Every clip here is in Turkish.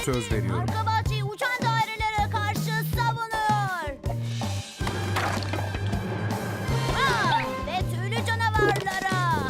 söz veriyorum. Arka bahçeyi uçan dairelere karşı savunuyor. Ve tüylü canavarlara.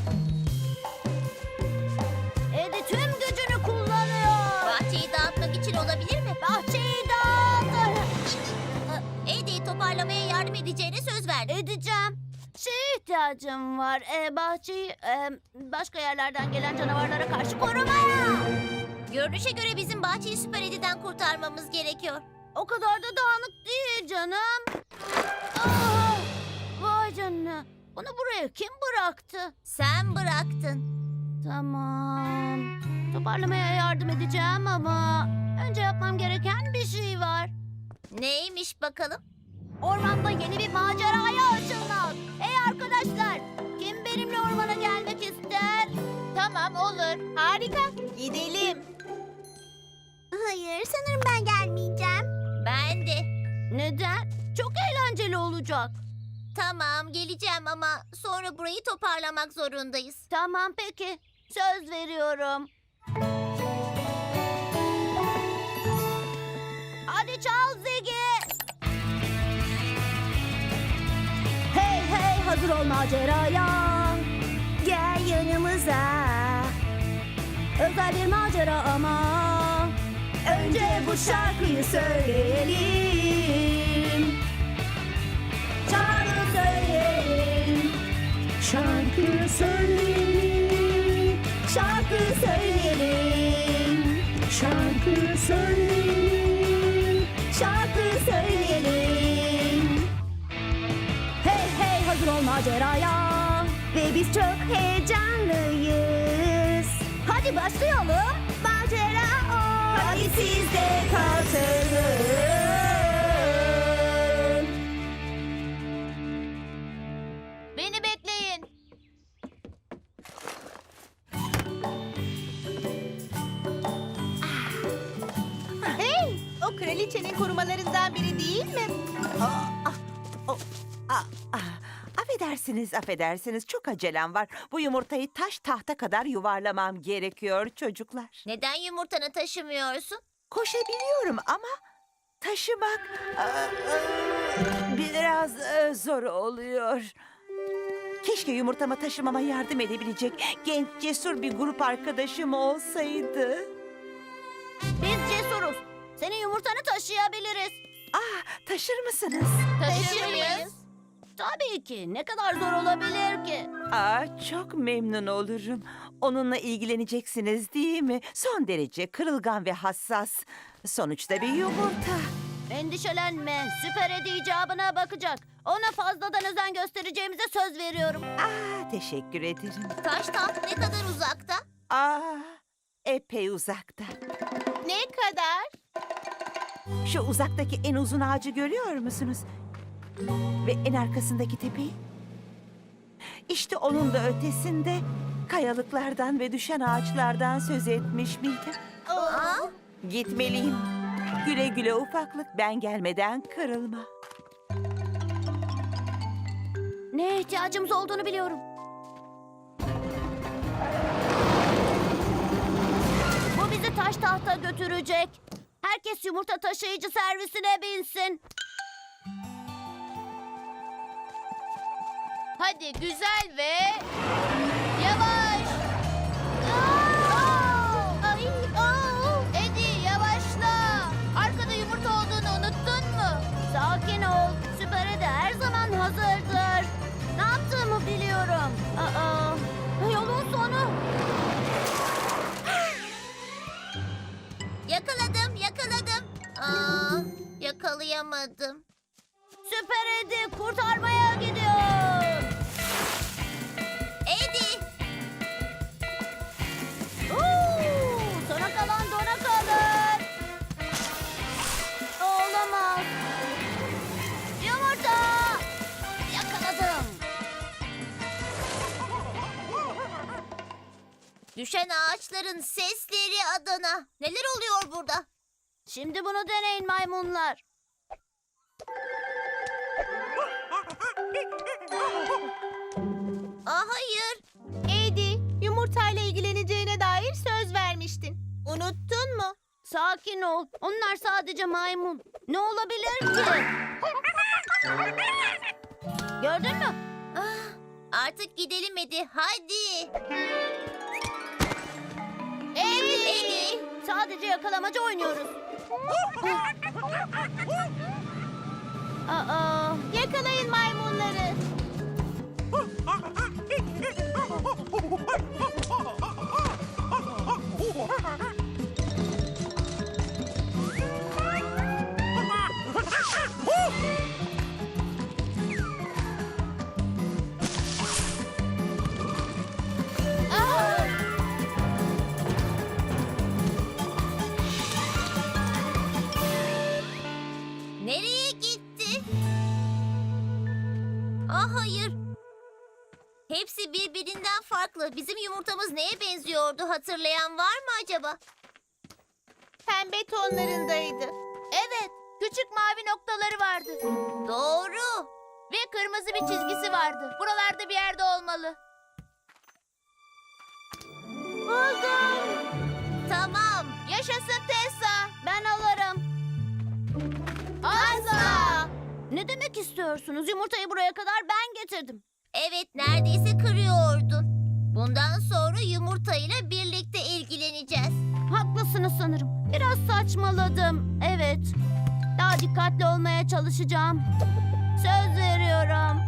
Eddie tüm gücünü kullanıyor. Bahçeyi dağıtmak için olabilir mi? Bahçeyi dağıtır. Eddie toparlamaya yardım edeceğine söz verdi. Edeceğim. Şeye ihtiyacım var. Bahçeyi başka yerlerden gelen canavarlara karşı korumaya. Görünüşe göre bizim bahçeyi Süper Eddie'den kurtarmamız gerekiyor. O kadar da dağınık değil canım. Ah, vay canına. Bunu buraya kim bıraktı? Sen bıraktın. Tamam. Toparlamaya yardım edeceğim ama önce yapmam gereken bir şey var. Neymiş bakalım? Ormanda yeni bir maceraya açılmak. Hey arkadaşlar, kim benimle ormana gelmek ister? Tamam olur. Harika. Gidelim. Hayır, sanırım ben gelmeyeceğim. Ben de. Neden? Çok eğlenceli olacak. Tamam geleceğim ama sonra burayı toparlamak zorundayız. Tamam peki, söz veriyorum. Hadi çal Ziggy. Hey hey, hazır ol maceraya. Gel yanımıza. Özel bir macera ama önce bu şarkıyı söyleyelim. Şarkı söyleyelim. Şarkı söyleyelim, Şarkı söyleyelim. şarkı söyleyelim. Şarkı söyleyelim. Hey hey, hazır ol maceraya. Ve biz çok heyecanlıyız. Hadi başlayalım. Macera o. Hadi siz de katılın. Beni bekleyin. Hey, o kraliçenin korumalarından biri değil mi? Affedersiniz. Çok acelem var. Bu yumurtayı taş tahta kadar yuvarlamam gerekiyor çocuklar. Neden yumurtanı taşımıyorsun? Koşabiliyorum ama taşımak biraz zor oluyor. Keşke yumurtamı taşımama yardım edebilecek genç, cesur bir grup arkadaşım olsaydı. Biz cesuruz. Senin yumurtanı taşıyabiliriz. Taşır mısınız? Taşır mıyız? Tabii ki. Ne kadar zor olabilir ki? Çok memnun olurum. Onunla ilgileneceksiniz değil mi? Son derece kırılgan ve hassas. Sonuçta bir yumurta. Endişelenme. Süper Eddie icabına bakacak. Ona fazladan özen göstereceğimize söz veriyorum. Teşekkür ederim. Taş taht ne kadar uzakta? Epey uzakta. Ne kadar? Şu uzaktaki en uzun ağacı görüyor musunuz? Ve en arkasındaki tepeyi? İşte onun da ötesinde kayalıklardan ve düşen ağaçlardan söz etmiş miydim? Gitmeliyim. Güle güle ufaklık, ben gelmeden kırılma. Neye ihtiyacımız olduğunu biliyorum. Bu bizi taş tahta götürecek. Herkes yumurta taşıyıcı servisine binsin. Hadi güzel ve yavaş. Ay, Eddie yavaşla. Arkada yumurta olduğunu unuttun mu? sakin ol. Süper Eddie her zaman hazırdır. Ne yaptığımı biliyorum. Yolun sonu. Yakaladım. Yakalayamadım. Süper Eddie kurtarmaya gidiyor. Eddie. Sona kalan dona kalır. Olamaz. Yumurta. Yakaladım. Düşen ağaçların sesleri Adana. Neler oluyor burada? Şimdi bunu deneyin maymunlar. Hayır. Eddie, yumurtayla ilgileneceğine dair söz vermiştin. Unuttun mu? Sakin ol. Onlar sadece maymun. Ne olabilir ki? Gördün mü? Artık gidelim hadi. Hadi. Eddie. Sadece yakalamacı oynuyoruz. Aa, Yakalayın maymunları. Nereye gitti? Hayır. Hepsi birbirinden farklı. Bizim yumurtamız neye benziyordu? Hatırlayan var mı acaba? Pembe tonlarındaydı. evet. Küçük mavi noktaları vardı. Doğru. Ve kırmızı bir çizgisi vardı. Buralarda bir yerde olmalı. Buldum. Tamam. Yaşasın Tessa. Ben alırım. Asla. Ne demek istiyorsunuz? Yumurtayı buraya kadar ben getirdim. Evet, neredeyse kırıyordun. Bundan sonra yumurtayla birlikte ilgileneceğiz. Haklısınız sanırım. Biraz saçmaladım. Evet. Daha dikkatli olmaya çalışacağım. Söz veriyorum.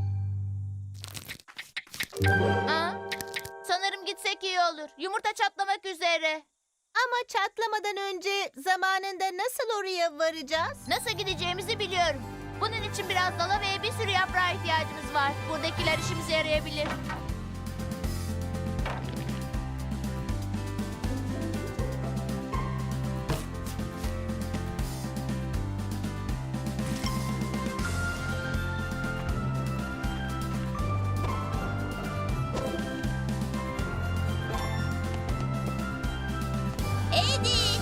Sanırım gitsek iyi olur. Yumurta çatlamak üzere. Ama çatlamadan önce zamanında nasıl oraya varacağız? Nasıl gideceğimizi biliyorum. Bunun için biraz dala ve bir sürü yaprağa ihtiyacımız var. Buradakiler işimize yarayabilir. Eddie!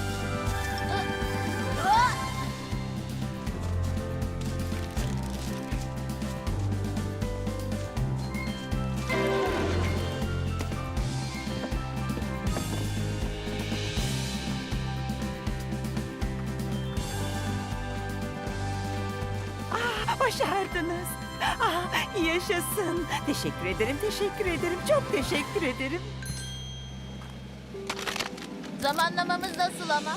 Başardınız. Yaşasın. Teşekkür ederim, teşekkür ederim. Çok teşekkür ederim. Zamanlamamız nasıl ama?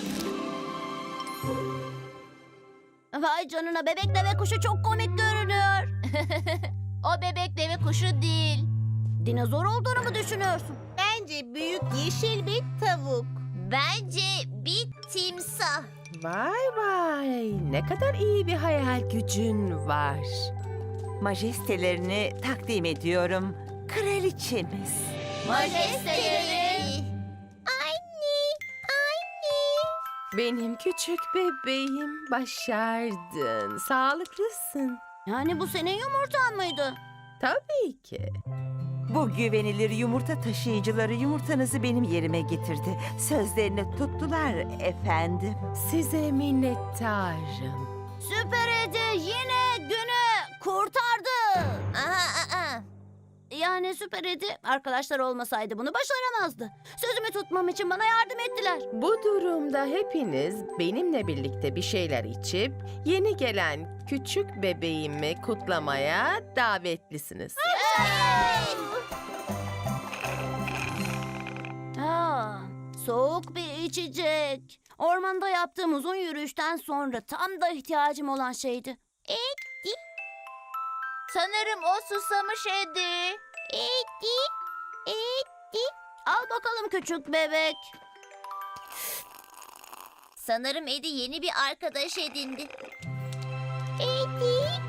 Vay canına, bebek deve kuşu çok komik görünüyor. O bebek deve kuşu değil. Dinozor olduğunu mu düşünüyorsun? Bence büyük yeşil bir tavuk. Bence bir timsah. Vay vay, ne kadar iyi bir hayal gücün var. Majestelerini takdim ediyorum. Kraliçemiz. Majesteleri. Anne, anne. Benim küçük bebeğim, başardın. Sağlıklısın. Yani bu senin yumurtan mıydı? Tabii ki. Bu güvenilir yumurta taşıyıcıları yumurtanızı benim yerime getirdi. Sözlerini tuttular efendim. Size minnettarım. Süper Edi yine günü kurtardı. Aha. Yani Süper Edi arkadaşlar olmasaydı bunu başaramazdı. Sözümü tutmam için bana yardım ettiler. Bu durumda hepiniz benimle birlikte bir şeyler içip yeni gelen küçük bebeğimi kutlamaya davetlisiniz. Soğuk bir içecek. Ormanda yaptığım uzun yürüyüşten sonra tam da ihtiyacım olan şeydi. Edi. Sanırım o susamış Edi. Edi. Edi. Al bakalım küçük bebek. Sanırım Eddie yeni bir arkadaş edindi. Edi.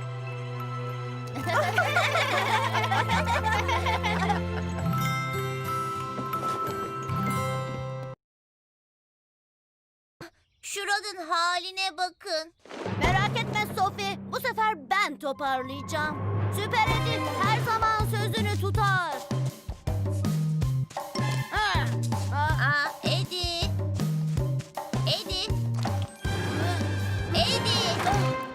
Şuranın haline bakın. Merak etme Sophie. Bu sefer ben toparlayacağım. Süper Edi her zaman sözünü tutar. Eddie. Eddie. Eddie.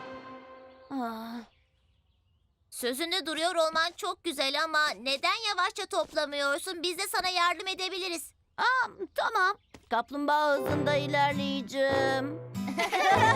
Sözünde duruyor olman çok güzel ama neden yavaşça toplamıyorsun? Biz de sana yardım edebiliriz. Tamam. Kaplumbağa hızında ilerleyeceğim.